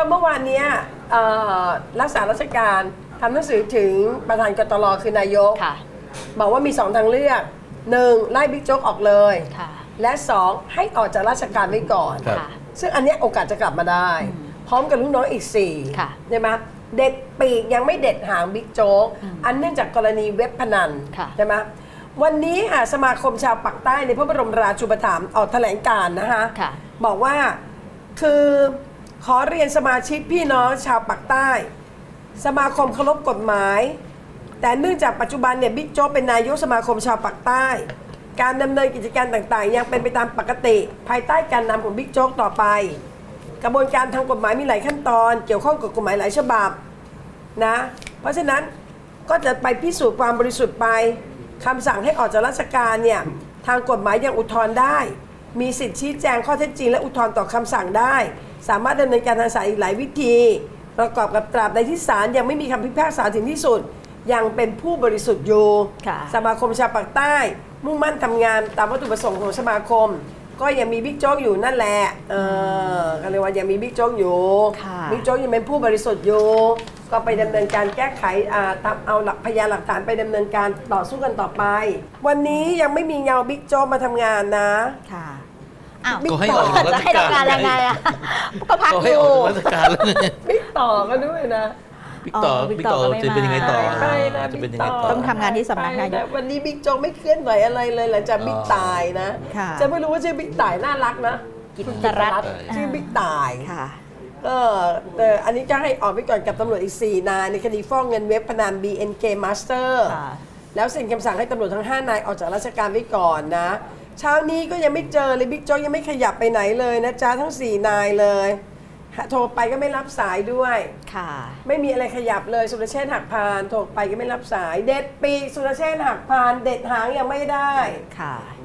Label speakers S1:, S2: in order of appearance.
S1: เมื่อวานนี้รักษาราชการทำหนังสือถึงประธานกตรคือนายกบอกว่ามี2 ทางเลือก 1. ไล่บิ๊กโจ๊กออกเลยและ 2. ให้ออกจากราชการไว้ก่อนซึ่งอันนี้โอกาสจะกลับมาได้พร้อมกับลูกน้องอีก4ใช่ไหมเด็ดปีกยังไม่เด็ดหางบิ๊กโจ๊กอันเนื่องจากกรณีเว็บพนันใช่ไหมวันนี้สมาคมชาวปากใต้ในพระบรมราชูปถัมภ์ออกแถลงการณ์นะคะบอกว่าคือขอเรียนสมาชิกพี่น้องชาวปากใต้สมาคมเคารพกฎหมายแต่เนื่องจากปัจจุบันเนี่ยบิ๊กโจ๊กเป็นนายกสมาคมชาวปากใต้การดำเนินกิจการต่างๆยังเป็นไปตามปกติภายใต้การนำของบิ๊กโจ๊กต่อไปกระบวนการทางกฎหมายมีหลายขั้นตอนเกี่ยวข้องกับกฎหมายหลายฉบับนะเพราะฉะนั้นก็จะไปพิสูจน์ความบริสุทธิ์ไปคำสั่งให้ออกจากราชการเนี่ยทางกฎหมายยังอุทธรณ์ได้มีสิทธิชี้แจงข้อเท็จจริงและอุทธรณ์ต่อคำสั่งได้สามารถดำเนินการทางศาลอีกหลายวิธีประกอบกับตราบใดที่ศาลยังไม่มีคำพิพากษาถึงที่สุดยังเป็นผู้บริสุทธิ์อยู่สมาคมชาวปากใต้มุ่งมั่นทำงานตามวัตถุประสงค์ของสมาคมก็ยังมีบิ๊กโจ๊กอยู่นั่นแหละก็เลยว่ายังมีบิ๊กโจ๊กอยู่บิ๊กโจ๊กยังเป็นผู้บริสุทธิ์อยู่ก็ไปดำเนินการแก้ไขเอาหลักพยานหลักฐานไปดำเนินการต่อสู้กันต่อไปวันนี้ยังไม่มีเงาบิ๊กโจ๊กมาทำงานนะ
S2: ค่ะอ้าว
S3: ก็ให้ออกจากราชการ
S2: จะให้ทำงานยังไงอ่ะก็พักอยู่
S3: ก็ให้ออกจากราชการแล้ว
S1: บิ๊กต่อก็ด้วยนะ
S3: บิ๊กต่อจะเป็นยังไงต่อจะเป็นยังไงต่อ
S2: ต้องทำงานที่สำนักนายก
S1: วันนี้บิ๊กโจ๊กไม่เคลื่อนไหวอะไรเลยหลังจากบิ๊กตายนะจะไม่รู้ว่าชื่อบิ๊กตายน่ารักนะ
S2: กิตรัตน์
S1: ชื่อบิ๊กตาย
S2: ค่ะ
S1: แต่อันนี้จะให้ออกไปก่อนกับตำรวจอีก4 นายในคดีฟ้องเงินเว็บพนัน BNK Master แล้วเซ็นคำสั่งให้ตำรวจทั้ง5 นายออกจากราชการไว้ก่อนนะเช้านี้ก็ยังไม่เจอเลยบิ๊กโจ๊กยังไม่ขยับไปไหนเลยนะจ๊ะทั้ง4 นายเลยโทรไปก็ไม่รับสายด้วย
S2: ค่ะ
S1: ไม่มีอะไรขยับเลยสุรเชษฐ์หักพานโทรไปก็ไม่รับสายเด็ดปีสุรเชษฐ์หักพานเด็ดหางยังไม่ได้
S2: ค่ะ